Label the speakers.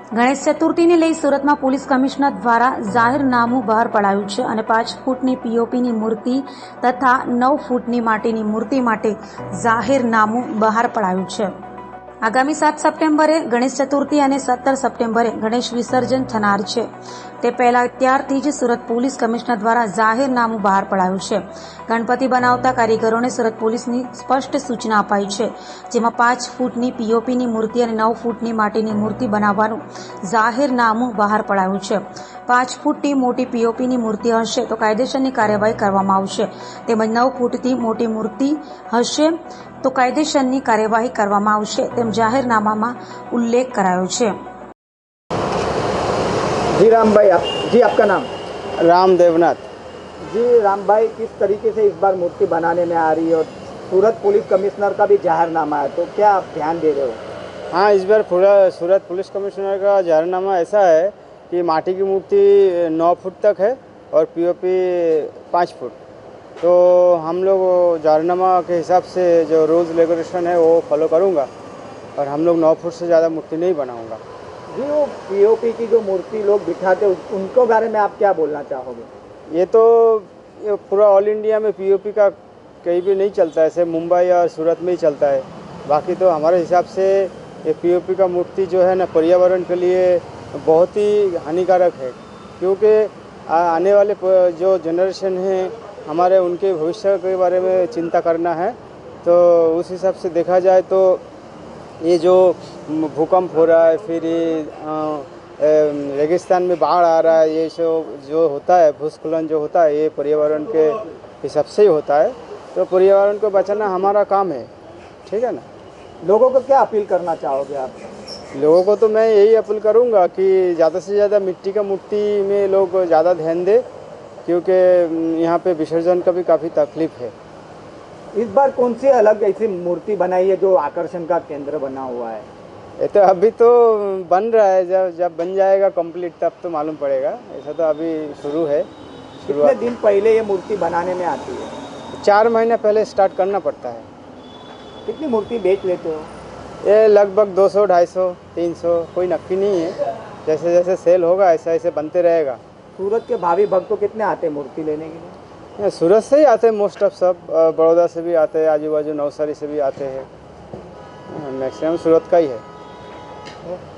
Speaker 1: ગણેશ ચતુર્થીને લઈ સુરતમાં police commissioner દ્વારા જાહેરનામું બહાર પડાયું છે અને 5 ફૂટની પીઓપીની મૂર્તિ તથા 9 ફૂટની માટીની મૂર્તિ માટે જાહેરનામું બહાર પડાયું છે। આગામી 7 સપ્ટેમ્બરે ગણેશ ચતુર્થી અને 17 સપ્ટેમ્બરે ગણેશ વિસર્જન થનાર છે। તે પહેલા ત્યારથી જ સુરત પોલીસ કમિશનર દ્વારા જાહેરનામું બહાર પડાયું છે। ગણપતિ બનાવતા કારીગરોને સુરત પોલીસની સ્પષ્ટ સૂચના અપાઈ છે, જેમાં 5 ફૂટની પીઓપીની મૂર્તિ અને 9 ફૂટની માટીની મૂર્તિ બનાવવાનું જાહેરનામું બહાર પડાયું છે। 5 ફૂટની મોટી પીઓપીની મૂર્તિ હશે તો કાયદેસરની કાર્યવાહી કરવામાં આવશે, તેમજ 9 ફૂટથી મોટી મૂર્તિ હશે तो कायदेसરની કાર્યવાહી કરવામાં આવશે તેમ જાહેરનામામાં ઉલ્લેખ કરાયો છે।
Speaker 2: जी राम भाई, जी आपका नाम?
Speaker 3: राम देवनाथ।
Speaker 2: जी राम भाई, किस तरीके से इस बार मूर्ति बनाने में आ रही है और सूरत पुलिस कमिश्नर का भी जाहिरनामा है, तो क्या आप ध्यान दे रहे हो?
Speaker 3: हाँ, इस बार पूरा सूरत पुलिस कमिश्नर का जाहिरनामा ऐसा है कि माटी की मूर्ति 9 फुट तक है और पीओपी 5 फुट। तो हम लोग जाहिरनामा के हिसाब से जो रूल्स रेगुलेशन है वो फॉलो करूँगा और हम लोग 9 फुट से ज़्यादा मूर्ति नहीं बनाऊँगा।
Speaker 2: जी, वो पीओपी की जो मूर्ति लोग बिठाते उनको बारे में आप क्या बोलना चाहोगे?
Speaker 3: ये तो पूरा ऑल इंडिया में पीओपी का कहीं भी नहीं चलता है, ऐसे मुंबई और सूरत में ही चलता है। बाकी तो हमारे हिसाब से ये पीओपी का मूर्ति जो है ना पर्यावरण के लिए बहुत ही हानिकारक है, क्योंकि आने वाले जो जनरेशन है हमारे, उनके भविष्य के बारे में चिंता करना है। तो उस हिसाब से देखा जाए तो ये जो भूकंप हो रहा है, फिर ये रेगिस्तान में बाढ़ आ रहा है, ये जो होता है भूस्खलन जो होता है, ये पर्यावरण के हिसाब से ही होता है। तो पर्यावरण को बचाना हमारा काम है, ठीक है ना।
Speaker 2: लोगों को क्या अपील करना चाहोगे आप?
Speaker 3: लोगों को तो मैं यही अपील करूँगा कि ज़्यादा से ज़्यादा मिट्टी का मूर्ति में लोग ज़्यादा ध्यान दें, क्योंकि यहाँ पे विसर्जन का भी काफ़ी तकलीफ है।
Speaker 2: इस बार कौन सी अलग ऐसी मूर्ति बनाई है जो आकर्षण का केंद्र बना हुआ है?
Speaker 3: ये तो अभी तो बन रहा है, जब बन जाएगा कंप्लीट तब तो मालूम पड़ेगा। ऐसा तो अभी शुरू है।
Speaker 2: कितने दिन पहले ये मूर्ति बनाने में आती है?
Speaker 3: 4 महीने पहले स्टार्ट करना पड़ता है।
Speaker 2: कितनी मूर्ति बेच लेते हो?
Speaker 3: ये लगभग 200, 250, 300, कोई नक्की नहीं है। जैसे जैसे सेल होगा ऐसा ऐसे बनते रहेगा।
Speaker 2: सूरत के भावी भक्त तो कितने आते हैं मूर्ति लेने के लिए?
Speaker 3: सूरत से ही आते हैं मोस्ट ऑफ सब, बड़ौदा से भी आते हैं, आजू बाजू नवसारी से भी आते हैं, मैक्सिमम सूरत का ही है।